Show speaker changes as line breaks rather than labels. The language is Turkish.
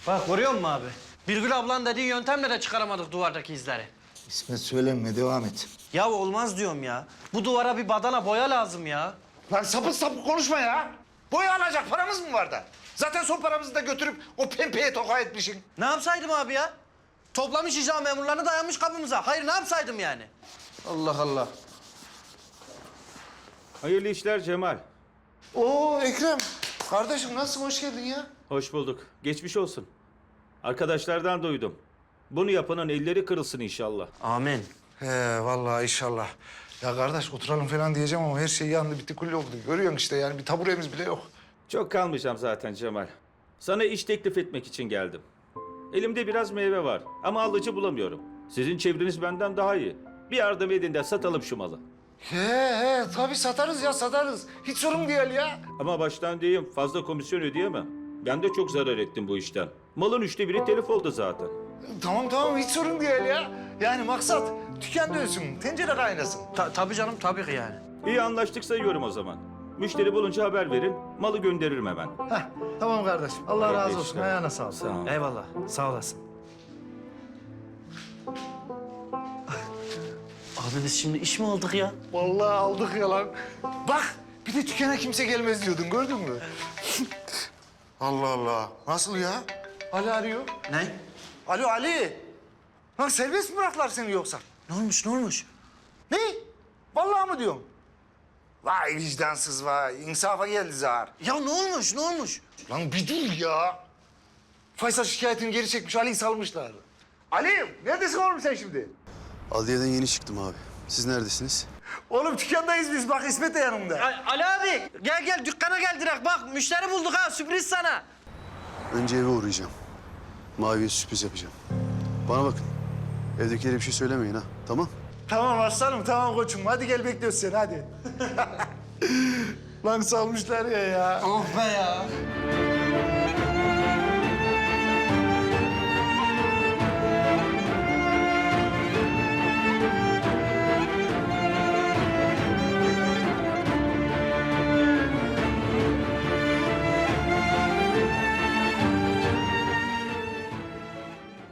Bak görüyor musun abi? Birgül ablanın dediği yöntemle de çıkaramadık duvardaki izleri.
İsmet söylenme, devam et.
Ya olmaz diyorum ya. Bu duvara bir badana boya lazım ya.
Lan sapık sapık konuşma ya. Boya alacak paramız mı var da? Zaten son paramızı da götürüp o pempeye toka etmişsin.
Ne yapsaydım abi ya? Toplamış icra memurlarını dayanmış kapımıza. Hayır ne yapsaydım yani? Allah Allah.
Hayırlı işler Cemal.
Oo Ekrem. Kardeşim nasılsın? Hoş geldin ya.
Hoş bulduk. Geçmiş olsun. Arkadaşlardan duydum. Bunu yapanın elleri kırılsın inşallah.
Amin.
He vallahi inşallah. Ya kardeş oturalım falan diyeceğim ama her şey yandı bitti kulli oldu. Görüyorsun işte yani bir taburemiz bile yok.
Çok kalmayacağım zaten Cemal. Sana iş teklif etmek için geldim. Elimde biraz meyve var ama alıcı bulamıyorum. Sizin çevreniz benden daha iyi. Bir yardım edin de satalım şu malı.
He tabii satarız ya satarız. Hiç sorun değil ya.
Ama baştan diyeyim fazla komisyon ödeyemem. Ben de çok zarar ettim bu işten. Malın 1/3 telef oldu zaten.
Tamam hiç sorun değil ya. Yani maksat tüken dönsün, tencere kaynasın.
Tabii canım tabii ki yani.
İyi anlaştık sayıyorum o zaman. Müşteri bulunca haber verin, malı gönderirim hemen.
Heh, tamam kardeşim. Allah
Hayırlı
razı olsun.
işler.
Ayağına sağlık.
Sağ ol.
Eyvallah. Sağ olasın. Abi biz şimdi iş mi aldık ya?
Vallahi aldık ya lan. Bak bir de tükene kimse gelmez diyordun gördün mü? Allah Allah. Nasıl ya? Ali arıyor.
Ne?
Alo Ali. Lan serbest mi bıraktılar seni yoksa?
Ne olmuş ne olmuş?
Ne? Vallahi mı diyorsun? Vay vicdansız vay. İnsafa geldi zar.
Ya ne olmuş ne olmuş?
Lan bir dur ya. Faysal şikayetini geri çekmiş, Ali'yi salmışlar. Ali, neredesin oğlum sen şimdi?
Adliyeden yeni çıktım abi. Siz neredesiniz?
Oğlum dükkandayız biz, bak İsmet de yanımda.
Ali abi gel dükkana gel direkt bak müşteri bulduk ha sürpriz sana.
Önce eve uğrayacağım. Mavi'ye sürpriz yapacağım. Bana bakın. Evdekilere bir şey söylemeyin ha. Tamam?
Tamam aslanım, tamam koçum. Hadi gel bekliyoruz seni, hadi. Lan salmışlar ya.
Oh be ya.